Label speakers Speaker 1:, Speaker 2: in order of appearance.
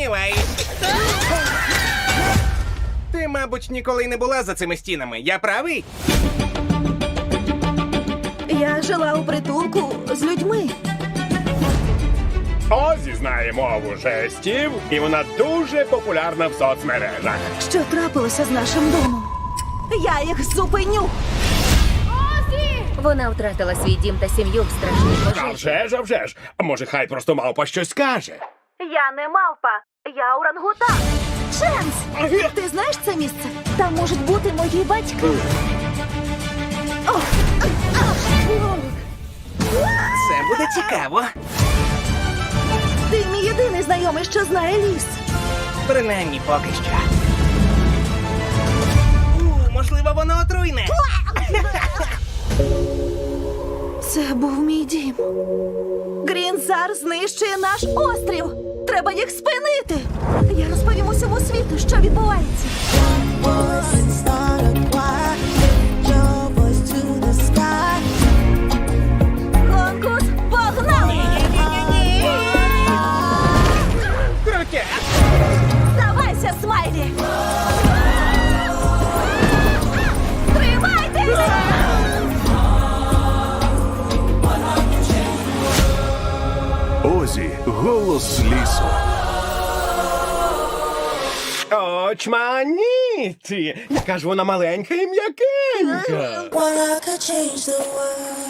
Speaker 1: сумніваюсь. Ти, мабуть, ніколи й не була за цими стінами. Я правий?
Speaker 2: Я жила у притулку з людьми.
Speaker 3: Озі знає мову жестів, і вона дуже популярна в соцмережах.
Speaker 2: Що трапилося з нашим домом? Я їх зупиню.
Speaker 4: Вона втратила свій дім та сім'ю в страшній
Speaker 3: А
Speaker 4: пожежі.
Speaker 3: вже ж, а вже ж. А може, хай просто мавпа щось скаже?
Speaker 2: Я не мавпа, я орангутан. Ченс! Ти знаєш це місце? Там можуть бути мої батьки.
Speaker 1: Це буде цікаво.
Speaker 2: Ти мій єдиний знайомий, що знає ліс.
Speaker 1: Принаймні поки що. Можливо, воно отруйне.
Speaker 2: Це був мій дім. Грінзар знищує наш острів. Треба їх спинити. Я розповім усьому світу, що відбувається. Конкурс погнали!
Speaker 1: Крутя!
Speaker 2: Здавайся, Смайлі! Тримайтеся!
Speaker 5: Озі, голос лісу.
Speaker 3: Очманіті! Яка ж вона маленька і м'якенька.
Speaker 6: Well, I could change the world.